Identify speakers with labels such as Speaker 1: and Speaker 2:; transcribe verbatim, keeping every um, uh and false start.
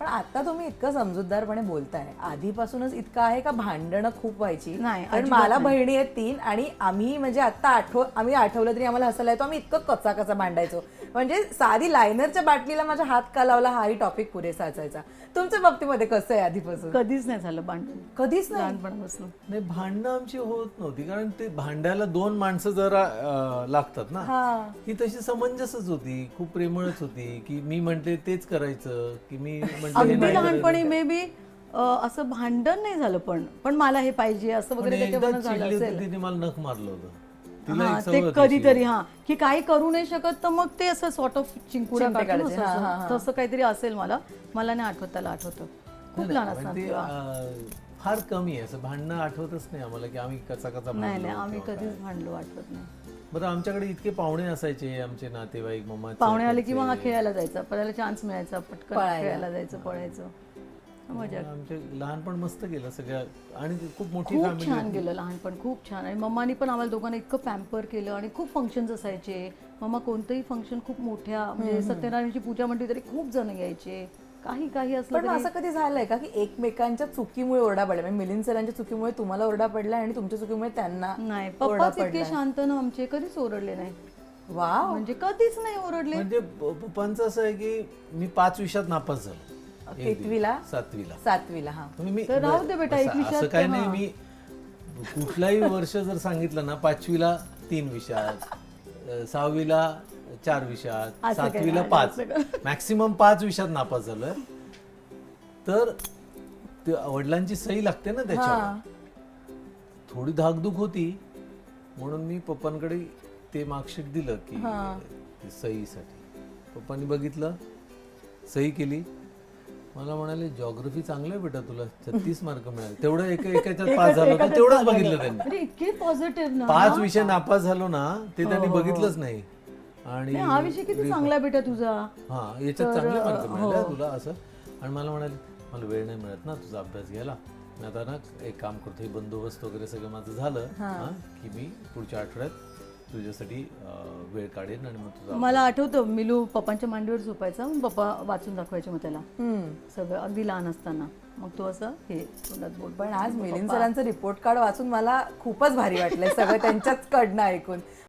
Speaker 1: पण आता तुम्ही इतकं समजूतदारपणे बोलताय, आधीपासूनच इतकं आहे का भांडणं खूप व्हायची?
Speaker 2: नाही,
Speaker 1: कारण
Speaker 2: अजिबात
Speaker 1: मला
Speaker 2: नाही.
Speaker 1: बहिणी आहेत तीन आणि आम्ही म्हणजे आता आठव आम्ही आठवलं तरी आम्हाला हसायला येतो, आम्ही इतकं कचा कचा भांडायचो. म्हणजे साधी लायनरच्या बाटलीला माझा हात का लावला हाही टॉपिक पुरेसा असायचा. तुमच्या बाबतीमध्ये कसं आहे आधीपासून?
Speaker 2: कधीच नाही झालं भांडण,
Speaker 1: कधीच नाही.
Speaker 2: लहानपणापासून.
Speaker 3: नाही, भांडणं आमची होत नव्हती कारण ते भांडायला दोन माणसं जरा अं, लागतात ना.
Speaker 1: हा.
Speaker 3: ही तशी समंजसच होती, खूप प्रेमळच होती की मी म्हणते तेच करायचं की मी म्हणते हे
Speaker 2: अगदी
Speaker 3: नाही
Speaker 2: लहानपणी
Speaker 3: करायचं.
Speaker 2: मे बी असं भांडण नाही झालं, पण पण मला हे पाहिजे असं
Speaker 3: पण
Speaker 2: वगैरे
Speaker 3: एकदा
Speaker 2: त्याच्यावरून झालं
Speaker 3: चिडली होती
Speaker 2: असेल.
Speaker 3: तिने मला नख मारलं होतं. तिला
Speaker 2: हा,
Speaker 3: एक सवय
Speaker 2: ते
Speaker 3: होती
Speaker 2: कधीतरी
Speaker 3: अशी.
Speaker 2: हा की काही करू नाही शकत तर मग ते असं सॉर्ट ऑफ चिंकुडा
Speaker 1: चिमटे
Speaker 2: काढून
Speaker 1: काढायचे. हा, हा, हा.
Speaker 2: असं- तसं काहीतरी असेल. मला मला नाही आठवत, त्याला आठवतं. खूप
Speaker 3: नाही,
Speaker 2: लहान
Speaker 3: नाही,
Speaker 2: असणार
Speaker 3: पण ते,
Speaker 2: तेव्हा.
Speaker 3: अं, फार कमी आहे असं भांडणं आठवतच नाही आम्हाला की आम्ही कचा कचा
Speaker 2: नाही
Speaker 3: भांडलो
Speaker 2: नाही, आम्ही
Speaker 3: किंवा
Speaker 2: कधीच
Speaker 3: काय.
Speaker 2: भांडलो आठवत नाही.
Speaker 3: बरं, आमच्याकडे इतके पाहुणे असायचे, आमचे नातेवाईक, मम्मा
Speaker 2: पाहुणे आले की मग हा खेळायला जायचा, पळायला चान्स मिळायचा, पटकन
Speaker 1: पळायला.
Speaker 2: खेळायला जायचं, पळायचं. मजा.
Speaker 3: आमचे लहानपण मस्त गेलं सगळ्या आणि खूप मोठी
Speaker 2: खूप
Speaker 3: फॅमिली
Speaker 2: छान गेलं लहानपण, खूप छान. आणि मम्मानी पण आम्हाला दोघांना इतकं पॅम्पर केलं आणि खूप फंक्शन्स असायचे. मम्मा कोणतंही फंक्शन खूप मोठ्या म्हणजे सत्यनारायणची पूजा म्हटली तरी खूप जण यायचे. काही काही असलं
Speaker 1: पण
Speaker 2: तरी
Speaker 1: असं कधी झालंय का की एकमेकांच्या चुकीमुळे ओरडा पडला, म्हणजे मिलिंद सरांच्या चुकीमुळे तुम्हाला ओरडा पडला आणि तुमच्या चुकीमुळे त्यांना
Speaker 2: नाही,
Speaker 1: ओरडा
Speaker 2: पप्पाच इतके
Speaker 1: पडलाय?
Speaker 2: शांत ना आमचे, कधीच ओरडले नाही.
Speaker 1: वाव.
Speaker 2: म्हणजे कधीच नाही ओरडले.
Speaker 3: म्हणजे प- पप्पांचं असं आहे की मी पाच विषयात नापास झालो. एक दिवस.
Speaker 1: कितवीला?
Speaker 3: सातवीला.
Speaker 1: सातवीला. हा.
Speaker 3: म्हणजे मी
Speaker 2: तर राहू दे बेटा,
Speaker 3: असं-
Speaker 2: एक विषयात
Speaker 3: असं काही
Speaker 2: तर
Speaker 3: नाही.
Speaker 2: हा.
Speaker 3: मी कुठलाही वर्ष जर सांगितलं ना, पाचवीला तीन विषयात, अं, सहावीला चार विषयात,
Speaker 2: असं काही
Speaker 3: सातवीला
Speaker 2: नाही,
Speaker 3: पाच,
Speaker 2: असं काही.
Speaker 3: मॅक्सिमम पाच विषयात नापास झालोय. तर ते वडिलांची सही लागते ना त्याच्यावर. थोडी धाकधूक होती म्हणून मी पप्पांकडे ते मार्कशीट दिलं की ते सहीसाठी. पप्पांनी बघितलं, सही केली. मला म्हणाले जॉग्राफी चांगलं आहे बेटा, तुला छत्तीस मार्क मिळाले. तेवढं एका एकाच्यात पास झालो ना, तेवढंच बघितलं त्यांनी.
Speaker 2: अरे इतके पॉझिटिव्ह ना.
Speaker 3: पाच विषय नापास झालो ना, ते त्यांनी बघितलंच नाही. आणि
Speaker 2: नाही, हा विषय किती चांगला आहे बेटा तुझा.
Speaker 3: हा, याच्यात चांगले मार्क मिळाले तुला असं. आणि मला म्हणाले मला वेळ नाही मिळत ना तुझा अभ्यास घ्यायला, मी आता ना एक काम करतो, हे बंदोबस्त वगैरे सगळं माझं झालं हा, की मी पुढच्या आठवड्यात तुझ्यासाठी अं, वेळ काढेन आणि मग तुझा
Speaker 2: मला आठवतं मिलू पप्पांच्या मांडीवर झोपायचा, मग पप्पा वाचून दाखवायचे मग त्याला सगळं, अगदी लहान असताना. मग तो असं हे तोंडात बोट.
Speaker 1: पण आज मिलिंद सरांचं रिपोर्ट कार्ड वाचून मला खूपच भारी वाटलंय सगळं त्यांच्याच कडनं ऐकून.